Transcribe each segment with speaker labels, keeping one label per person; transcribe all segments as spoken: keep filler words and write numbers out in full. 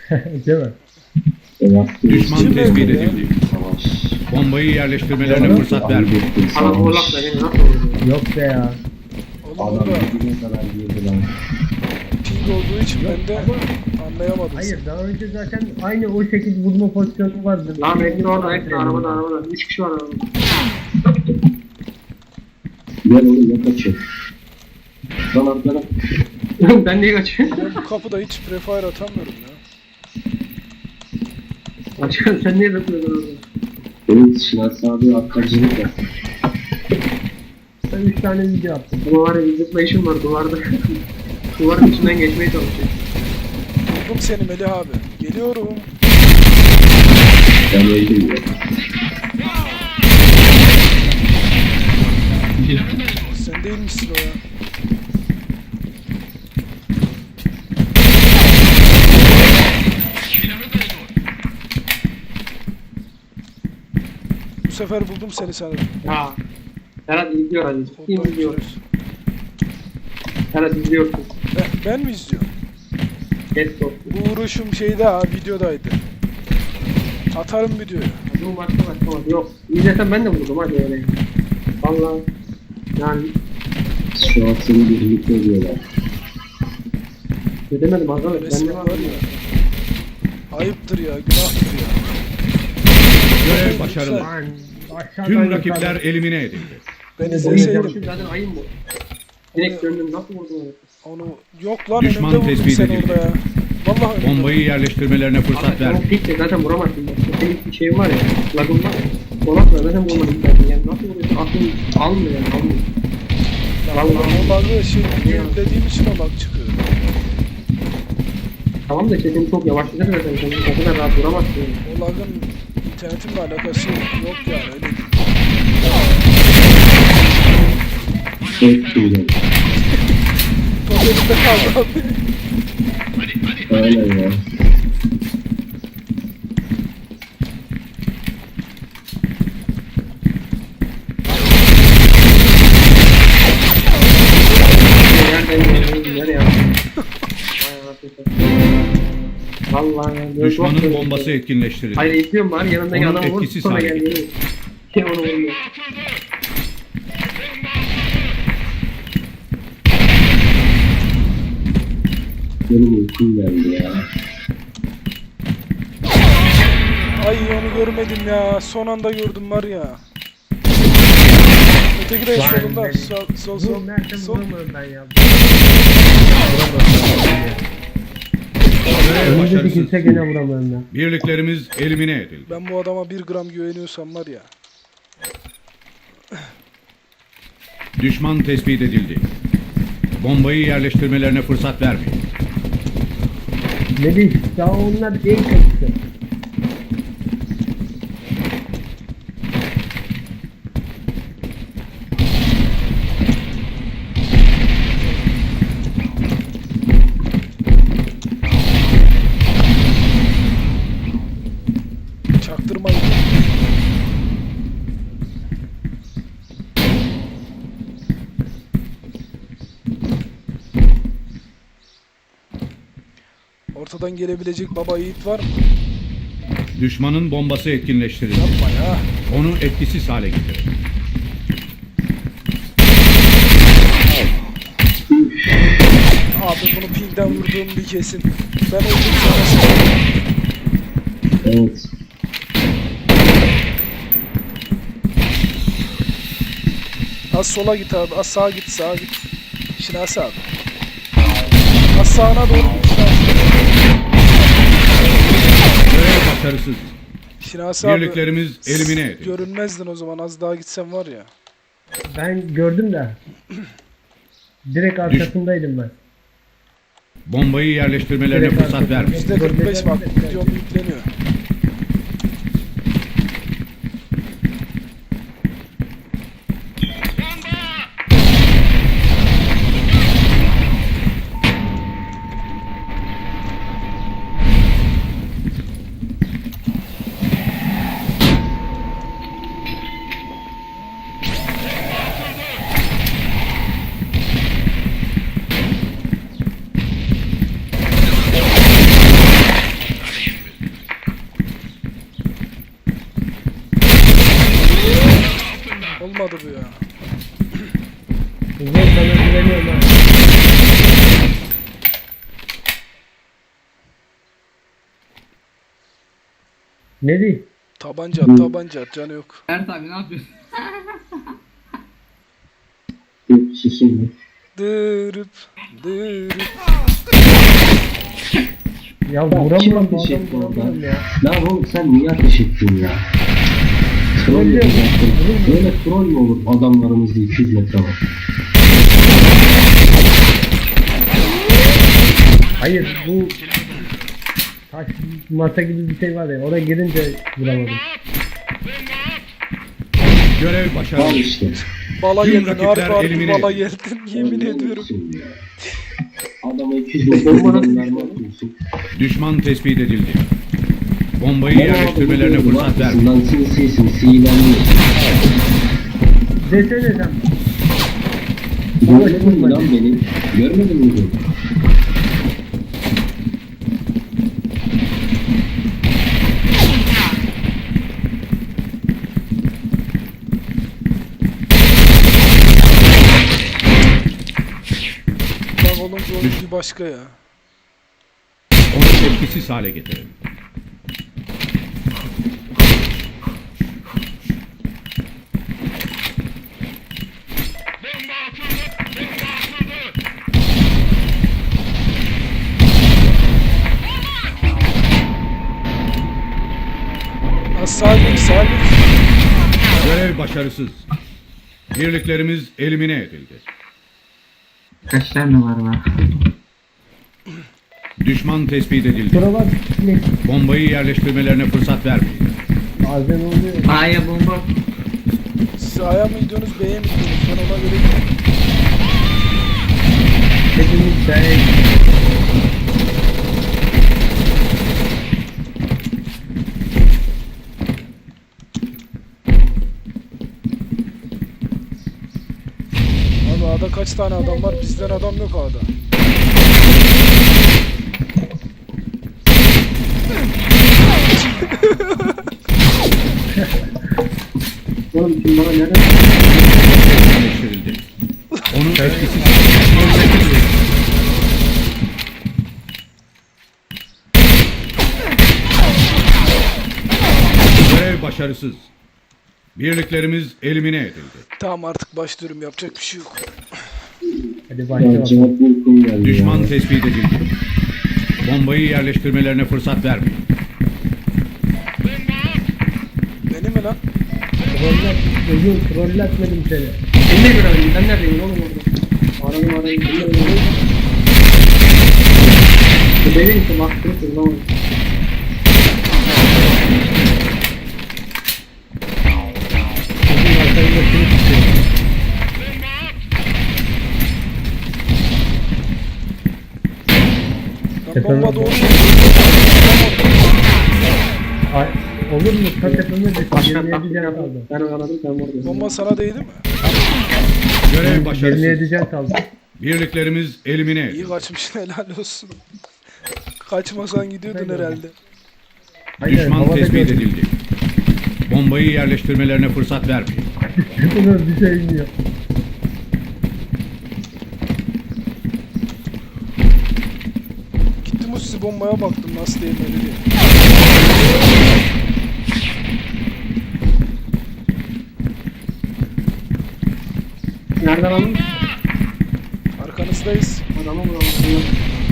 Speaker 1: Değil mi?
Speaker 2: Düşman tespit edildi. Bombayı yerleştirmelerine fırsat vermeyin.
Speaker 3: Adam horlak da beni nasıl oluyor?
Speaker 1: Yok be ya.
Speaker 4: Oğlum
Speaker 5: Adam
Speaker 4: burada
Speaker 5: birbirine kadar girdi lan.
Speaker 4: ping olduğu için ben de anlayamadım.
Speaker 1: Hayır daha önce zaten aynı o şekilde vurma pozisyonu vardı.
Speaker 3: Lan hepsi orada, hepsi arabada, arabada. Üç kişi var arabada.
Speaker 5: Gel oğlum ya kaçıyor. Lan arkana.
Speaker 3: Ben niye kaçıyorum?
Speaker 4: Ben bu kapıda hiç prefire atamıyorum ya.
Speaker 3: Başkan sen niye bakıyorsun orada?
Speaker 5: Benim Şinas abi arkacılık yap.
Speaker 1: Ben üç tane video attım.
Speaker 3: Ama var ya bir zıplayışım var duvarda. Duvarın içinden geçmeye çalışıyor.
Speaker 4: Buldum seni Melih abi. Geliyorum.
Speaker 5: Ben öldüm ya.
Speaker 4: Sen değil misin o ya? Bu sefer buldum seni sanırım.
Speaker 3: Ya. Serhat izliyor hadi. Kim
Speaker 4: Koddan
Speaker 3: izliyor?
Speaker 4: görüyoruz.
Speaker 3: Serhat izliyorsun.
Speaker 4: Ben, ben mi izliyorum?
Speaker 3: Geç top.
Speaker 4: Bu vuruşum şeyde ha, videodaydı. Atarım videoyu.
Speaker 3: Bu maçta başlamadı. Yok. İzlesem ben de vurdum hadi öyle. Valla. Yani
Speaker 5: Şu an seni birlikte ediyorlar.
Speaker 3: demedim arkadaş. Ben
Speaker 4: Resmen
Speaker 3: de
Speaker 4: var
Speaker 3: var
Speaker 4: ya. Ayıptır ya, günahtır ya.
Speaker 2: Görev başarılı.
Speaker 1: Lan aşağıdan
Speaker 2: Tüm rakipler
Speaker 1: yukarı.
Speaker 2: elimine edildi.
Speaker 4: Ben
Speaker 3: ya.
Speaker 4: izleseydim
Speaker 3: Zaten ayın bu. Direkt döndüm. Nasıl vurdum öyle?
Speaker 4: onu... Yok lan,
Speaker 2: Düşman
Speaker 4: önümde vurdum
Speaker 2: tespit
Speaker 4: seni
Speaker 2: edildi.
Speaker 4: orada ya. Vallahi önümde.
Speaker 2: Bombayı yerleştirmelerine fırsat
Speaker 3: Abi
Speaker 2: vermeyin.
Speaker 3: çok dik de zaten vuramazsın. Bak senin bir şeyin var ya. Lagın var. Dolapla zaten vurmadım zaten. Yani nasıl vuruyorsun? Aklın almıyor yani. Almıyor.
Speaker 4: Vallahi o lagı şey dediğim için o lag çıkıyor.
Speaker 3: Tamam da sesin çok yavaşladı zaten. Sen o kadar rahat vuramazsın. Yani.
Speaker 4: O lagın internetimle alakası yok yani, öyle değil.
Speaker 5: Çok güzel.
Speaker 4: Top elimde kaldı abi.
Speaker 5: Aynen ya.
Speaker 3: Nereden geliyorsun? Nereye yaptın? Vallahi ya. böyle
Speaker 2: Düşmanın
Speaker 3: çok-
Speaker 2: bombası etkinleştirildi.
Speaker 3: Hayır izliyorum bari yanındaki
Speaker 2: Onun
Speaker 3: adamı vur.
Speaker 2: etkisiz
Speaker 3: Sonra
Speaker 2: hale
Speaker 3: gel
Speaker 2: getir.
Speaker 3: geliyor. Kim onu vuruyor?
Speaker 5: Benim uykum geldi ya.
Speaker 4: Ay onu görmedim ya. Son anda gördüm var ya. Öteki de
Speaker 1: Vay
Speaker 4: solunda.
Speaker 1: be.
Speaker 4: Sol sol sol.
Speaker 1: Bu Mert'e
Speaker 4: sol.
Speaker 1: vuramıyorum ben ya.
Speaker 2: Görev
Speaker 1: Önümüzdeki
Speaker 2: başarısız.
Speaker 1: kimse gene vuramıyorum ben.
Speaker 2: Birliklerimiz elimine edildi.
Speaker 4: Ben bu adama bir gram güveniyorsam var ya.
Speaker 2: Düşman tespit edildi. Bombayı yerleştirmelerine fırsat vermeyin.
Speaker 1: Ne diyeyim? Daha onlar en kötüsü.
Speaker 4: Çaktırmayın. Ortadan gelebilecek baba yiğit var mı?
Speaker 2: Düşmanın bombası etkinleştirildi.
Speaker 4: Yapma ya.
Speaker 2: Onu etkisiz hale getirin.
Speaker 4: Abi bunu pingden vurduğum bir kesin. Ben öldüm sana.
Speaker 5: Evet.
Speaker 4: Az sola git abi. Az sağa git, sağa git. Şinasi abi. Az sağına doğru git Şinasi.
Speaker 2: Görev başarısız.
Speaker 4: Şinasi abi.
Speaker 2: Birliklerimiz elimine edildi.
Speaker 4: Görünmezdin o zaman, az daha gitsem var ya.
Speaker 1: Ben gördüm de. Direkt arkasındaydım ben.
Speaker 2: Bombayı yerleştirmelerine
Speaker 1: Direkt
Speaker 2: fırsat
Speaker 1: arkasında.
Speaker 2: vermeyin.
Speaker 4: yüzde kırk beş bak, videom yükleniyor. olmadı bu ya.
Speaker 1: Uzun sana güveniyorum ha. Ne diyeyim?
Speaker 4: Tabanca at, tabanca at, canı yok.
Speaker 3: Ert abi ne yapıyorsun?
Speaker 5: Yok susun ya.
Speaker 4: Dırıp, dırıp.
Speaker 1: Ya
Speaker 5: Kim
Speaker 1: vuramıyorum bu
Speaker 5: ateş
Speaker 1: adamı
Speaker 5: etti orada?
Speaker 1: vuramıyorum ya.
Speaker 5: Lan oğlum sen niye ateş ettin ya? Troll
Speaker 1: Troll diyorum.
Speaker 5: yapacaktın. Böyle troll mü olur adamlarımızda iki yüz metre var?
Speaker 1: Hayır bu taş masa gibi bir şey var ya, oraya girince vuramadım.
Speaker 2: Görev
Speaker 5: Al
Speaker 2: başarılı.
Speaker 5: işte.
Speaker 4: Bala
Speaker 2: Tüm
Speaker 4: geldin,
Speaker 2: rakipler
Speaker 4: harbi harbi
Speaker 2: elimine
Speaker 4: bala
Speaker 2: edildi.
Speaker 4: geldin, yemin
Speaker 5: Troll
Speaker 4: ediyorum.
Speaker 5: olmuşsun ya. Adama iki yüz metre mermi atıyorsun.
Speaker 2: Düşman tespit edildi. Bombayı yerleştirmelerine fırsat vermeyin.
Speaker 5: Lan sinsi sinsi ilerliyor.
Speaker 1: Desene sen.
Speaker 5: Görmedin mi lan beni? Görmedin mi beni?
Speaker 4: Bak olunca onun bir başka ya.
Speaker 2: Onu etkisiz hale getirin.
Speaker 4: Ha, sağ git, sağ git.
Speaker 2: Görev başarısız. Birliklerimiz elimine edildi.
Speaker 3: Kaç tane var var?
Speaker 2: Düşman tespit edildi.
Speaker 1: Şuralar ne?
Speaker 2: Bombayı yerleştirmelerine fırsat vermeyin.
Speaker 1: Bazen oluyor.
Speaker 3: A'ya bomba.
Speaker 4: Siz A'ya mı gidiyorsunuz, B'ye mi gidiyorsunuz? Ben ona göre gidiyorum.
Speaker 1: Hepimiz B'ye
Speaker 4: Abi A'da kaç tane adam var? Bizden adam yok A'da.
Speaker 3: Oğlum kim bana nereden?
Speaker 2: Yerleştirildi. Onu etkisiz hale getirin. Görev başarısız. Birliklerimiz elimine edildi.
Speaker 4: Tamam artık başlıyorum, yapacak bir şey yok.
Speaker 1: Hadi
Speaker 5: Ya
Speaker 1: başla.
Speaker 5: cevap uykum geldi
Speaker 2: Düşman
Speaker 5: ya.
Speaker 2: tespit edildi. Bombayı yerleştirmelerine fırsat vermeyin.
Speaker 4: Beni mi lan?
Speaker 1: Trollat, özür trollatmadım seni.
Speaker 3: Seni ne göremedim? Ben neredeyim oğlum orada? Aradım arayayım. Bu benim için baktım kırmam.
Speaker 1: Bizim arkamızda kimi tutuyor?
Speaker 4: Lan bomba doğru.
Speaker 1: Ay, olur mu? Ta tepeme düştü.
Speaker 3: Başka
Speaker 1: yirmi yedi
Speaker 3: taktik
Speaker 1: can
Speaker 3: yaptım.
Speaker 1: kaldı.
Speaker 3: Ben aradım sen oradasın.
Speaker 4: Bomba sana değdi mi?
Speaker 2: Görev
Speaker 1: yirmi
Speaker 2: başarısız.
Speaker 1: yedi can kaldı.
Speaker 2: Birliklerimiz elimine
Speaker 4: İyi
Speaker 2: edildi.
Speaker 4: kaçmışsın, helal olsun. Kaçmasan gidiyordun
Speaker 1: Hayır.
Speaker 4: herhalde.
Speaker 1: Hayır,
Speaker 2: Düşman
Speaker 1: havada
Speaker 2: tespit
Speaker 1: gördüm.
Speaker 2: edildi. Bombayı yerleştirmelerine fırsat vermeyin.
Speaker 1: Bunun bir şey iniyor.
Speaker 4: Gittim o sizi bombaya baktım nasıl değmeli diye.
Speaker 3: Nereden aldın?
Speaker 4: Arkanızdayız.
Speaker 3: Adamı vuralım.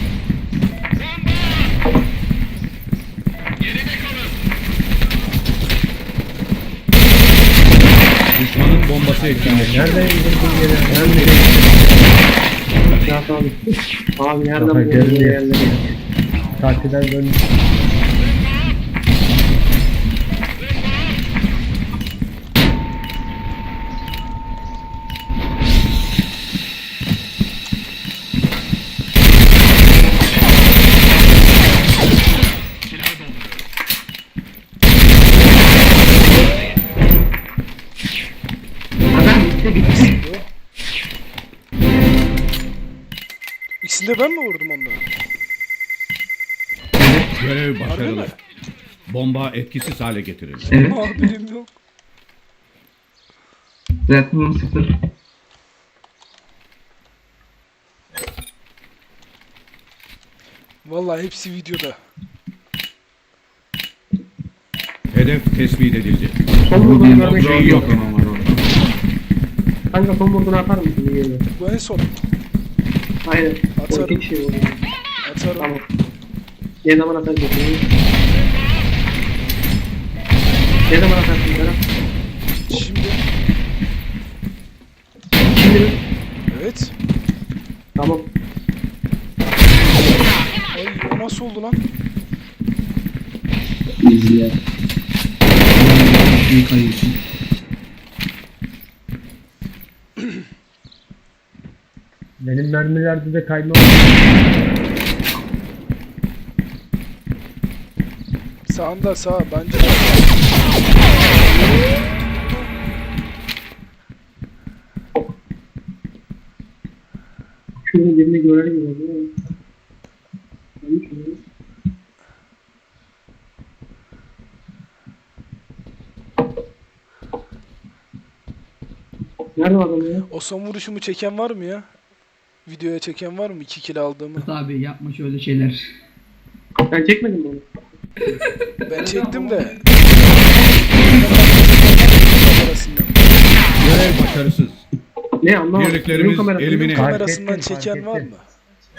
Speaker 2: Düşmanın bombası etkinleşti.
Speaker 1: Nereden indirdin yere?
Speaker 3: Ben de Ya abi. Abi nereden
Speaker 1: Kafa
Speaker 3: buldun bu
Speaker 1: görünüyor.
Speaker 3: yerleri?
Speaker 1: Tatilden döndüm.
Speaker 3: Adam bitti bitti.
Speaker 4: İkisini de ben mi vurdum onları?
Speaker 2: Görev
Speaker 4: Harbi
Speaker 2: başarılı.
Speaker 4: mi?
Speaker 2: Bomba etkisiz hale getirildi.
Speaker 3: Evet.
Speaker 4: Haberim yok.
Speaker 3: Reaktörüm sıfır.
Speaker 4: Vallahi hepsi videoda.
Speaker 2: Hedef tespit edildi.
Speaker 3: Son vurduğunu görmek
Speaker 2: Objeyi
Speaker 3: istiyorum.
Speaker 2: yok et.
Speaker 3: Kanka son vurduğunu atar mısın? Bir yere?
Speaker 4: Bu en son.
Speaker 3: Aynen.
Speaker 4: Atarım.
Speaker 3: O iki kişi vurdu.
Speaker 4: Atarım.
Speaker 3: Tamam. Ne zaman atarsın? Ne zaman atarsın Berat?
Speaker 4: Şimdi.
Speaker 3: Şimdi mi?
Speaker 4: Evet.
Speaker 3: Tamam.
Speaker 4: Ay o nasıl oldu lan?
Speaker 5: İzle. Bir kayıyorsun.
Speaker 1: Benim mermilerde de kayma
Speaker 4: Sağında sağ bence.
Speaker 3: Şurada birini görelim mi? Değil mi? Neymiş o? Nerede adam ya?
Speaker 4: O son vuruşumu çeken var mı ya? Videoya çeken var mı? iki kill aldığımı.
Speaker 6: Abi yapma şöyle şeyler.
Speaker 3: Ben çekmedim mi onu?
Speaker 4: Ben çektim de. Kamerasından.
Speaker 2: Görev başarısız.
Speaker 3: Ne anlamadım.
Speaker 2: Birliklerimiz
Speaker 3: Ölüm kamerası-
Speaker 2: elimine-
Speaker 1: Fark
Speaker 4: Kamerasından
Speaker 1: ettim, fark
Speaker 4: çeken var
Speaker 1: ettim.
Speaker 4: mı?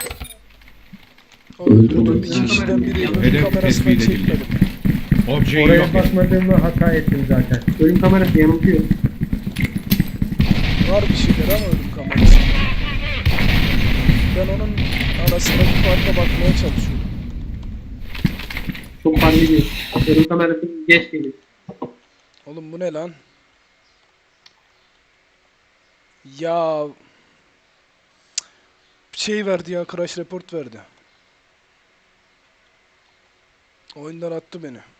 Speaker 4: O öldürdüğüm iki kişiden biri ölüm
Speaker 2: Hedef
Speaker 4: kamerasından
Speaker 2: tespit
Speaker 4: çekmedim.
Speaker 2: Objeyi
Speaker 1: Oraya
Speaker 2: yok et.
Speaker 1: bakmadığımı hata ettim zaten.
Speaker 3: Ölüm kamerası yanıltıyor.
Speaker 4: Var bir şeyler ama ölüm kamerası. Ben onun arasındaki farka bakmaya çalışıyorum.
Speaker 3: Çok fark ediyor. Ölüm kamerası geç geliyor.
Speaker 4: Oğlum bu ne lan? Ya şey verdi ya, crash report verdi. Oyundan attı beni.